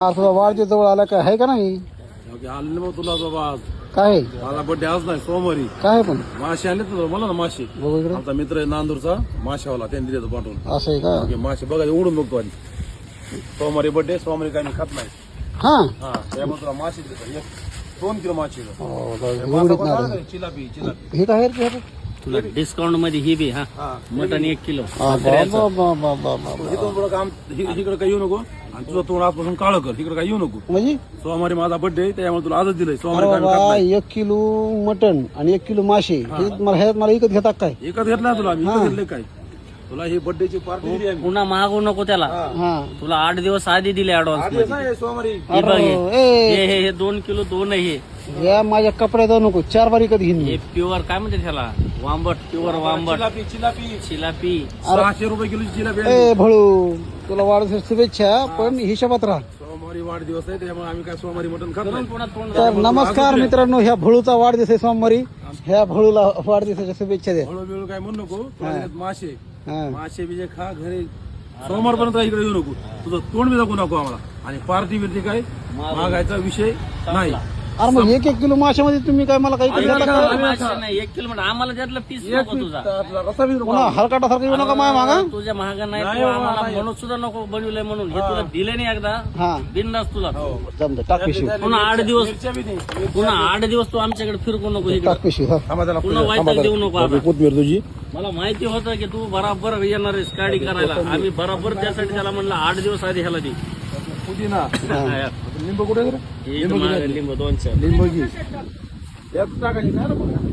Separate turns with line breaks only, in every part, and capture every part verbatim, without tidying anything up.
असं वाढच्या जवळ आला काय आहे का नाही?
आले मग तुला बाबा आज
काय
माझा बड्डे आज नाही सोमवारी.
काय पण
मासे आले तर मला ना मासे.
बघू इकडे.
आमचा मित्र आहे नांदूरचा माशावाला त्यांनी दिले पाठवून.
असं आहे का?
ओके, मासे बघा उडून बघतो आधी. सोमवारी बड्डे सोमवारी काय मी खात नाही.
हा
हा त्यामुळे तुला मासे देतो एक दोन किलो मासे देतो.
हो,
हे
एवढीच
मासा कोणता
नाही.
आहे? चिलापी चिलापी
हे काय आहे रे?
तुला डिस्काउंट मध्ये ही बी हा
हा
मटन एक किलो
हा, बा, बा, बा, बा, बा, बा.
इथून पुढं काम इकडे काही येऊ नको आणि तुझं तोंड आजपासून काळं कर. इकडे काही येऊ नको.
म्हणजे
सोमवारी माझा बड्डे आहे त्यामुळे तुला आजच दिलंय.
अरे
सोमवारी काय मी खात
बाबा
नाही.
एक किलो मटन आणि एक किलो मासे हे मला ह्यात मला विकत घेतात काय?
एकच घेतला तुला मी एकच घेतलंय काय तुला ही बड्डेची पार्टी दिली आम्ही.
पुन्हा मागू नको त्याला.
हा
तुला आठ दिवस आधी दिले ऍडव्हान्स
आज
मध्ये.
नाही सोमवारी
हे बघ हे.
ए,
हे हे हे दोन किलो दोन आहे हे.
या माझ्या कपड्यात जाऊ नको चार बार विकत घेईन मी.
हे प्युअर काय म्हणते त्याला वांबट प्युअर वांबट
चिलापी चिलापी
चिलापी
सहाशे रुपये किलोची जिलापी आणली.
ए भळू तुला वाढदिवस शुभेच्छा पण हिशोबात राहा.
सोमवारी वाढदिवस आहे त्यामुळे आम्ही काय सोमवारी मटण खात नाही.
पुन्हा तोंड
तर नमस्कार मित्रांनो, ह्या भळूचा वाढदिवस आहे सोमवारी. ह्या भळूला वाढदिवसाच्या शुभेच्छा द्या.
हळू बिळू काय म्हणू नको. तुला देतात मासे
हा.
मासे बिजे खा घरी. सोमवारपर्यंत इकडे येऊ नको. तुझं तोंड बी दाखवू नको आम्हाला. आणि पार्टी बिर्टी काय मागायचा विषय नाही.
अरे मग एक एक किलो माशामध्ये तुम्ही काय मला काही
एक
करता
किलो
का?
मासे नाही एक किलो म्हणजे आम्हाला त्यातला पीस नको तुझा.
आपला रस्सा बी नको.
पुन्हा हलकाटासारखं येऊ नका माया मागा.
तुझ्या महागा नाही
नाही
तू
बाबा,
आम्हाला
नाही.
म्हणून सुद्धा नको बनवलंय म्हणून हे तुला दिले नाही एकदा
हा
बिंदास तुला.
जमतं टाक पिशवी
पुन्हा आठ दिवस
मिरच्या बी नाही.
पुन्हा आठ दिवस तू आमच्याकडे फिरकू नको इकडे.
टाक पिशवी हा.
थांबा त्याला
पुन्हा वाईट देऊ नको आता.
कोथमीर तुझी
मला माहिती होतं की तू बराबर येणार आहेस गाडी करायला. आम्ही बराबर त्यासाठी त्याला म्हणलं आठ दिवस आधी ह्याला दे.
पुदिना
हा.
लिंबू कुठे आहे रे?
हे इथं मागं लिंबू दोन चार.
लिंबू घे. यात टाकायची काय रे बघा.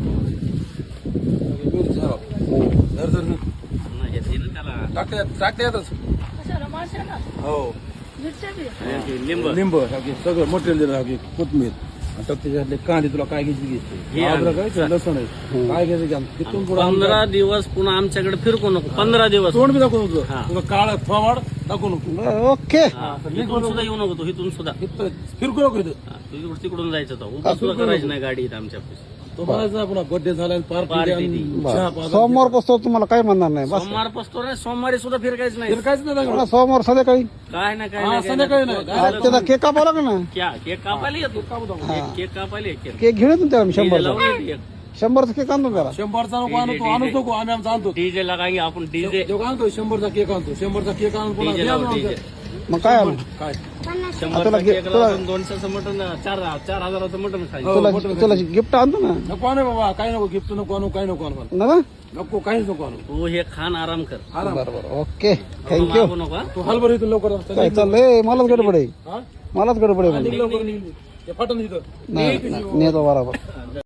मिरची हवा. धर धर धर.
नाही, हे दे ना त्याला.
टाकते टाकते यातच. हो
हे लिंबू
लिंबू हे सगळं मटेरियल दिलं हे कोथमीर आणि त्याच्यातले कांदे तुला काय घ्यायची
हे
घे अद्रक आहे लसूण आहे काय घ्यायचं घ्या. तिथून पुढं
पंधरा दिवस पुन्हा आमच्याकडे फिरकू नको. पंधरा दिवस
तोंड बी दाखवू नको.
हा.
तुझं काळ थोवाड दाखवू नको.
ओके
हा, इथून सुद्धा येऊ नको तू इथून सुद्धा.
इथं फिरकू नको इथं.
हा, तू इकडून तिकडून जायचं होतं. उगा सुद्धा करायची नाही गाडी इथं आमच्या ऑफिस.
तो म्हणायचा पुन्हा बर्थडे झाला
Party
पार्टी
दी.
सोमवार पासून तुम्हाला काय म्हणणार नाही बस.
सोमवार पसतो रे सोमवारी सुद्धा फिरकायचं नाही.
काहीच नाही दाखवलं.
पुन्हा सोमवार संध्याकाळी
काय ना काय
हा,
नाही, काय
संध्याकाळी
नाही.
नाही.
आज त्याचा केक कापावा लागेल ना.
क्या केक कापायला येतो एक केक कापायला एक केक
केक घेऊन येतो त्याला
डीजे
शंभरचा
लावून येते एक.
शंभरचा केक आणतो त्याला.
शंभरचा नको आणू तो आणू नको आम्ही आमचा आणतो.
डीजे लगाएंगे आपण डीजे
जो आणतो शंभरचा केक आणतो. शंभरचा केक आणून पुन्हा
डीजे
द्या
लावू
आमचं.
डीजे.
मग काय आणू?
काय
शंभरचा
तुला घे-
केक
तुला-
लावून दोनशेचं मटन चार चार हजाराचं मटन खायचं.
तुला
मोठं
तुला गिफ्ट आणतो ना
नको आणू बाबा काय नको गिफ्ट नको आणू काय नको आणू मला.
ना ना?
नको काहीच नको आणू.
तू हे खान आराम कर.
आराम.
बरोबर ओके थँक्यू.
मागू नको हा.
तू हलभर इथून लवकर
काय चाललंय? मलाच गडबड आहे
हा?
मलाच गडबड आहे
निघ लवकर निघ. ते फाटून इथं
नाही नाही, नेतो बरोबर.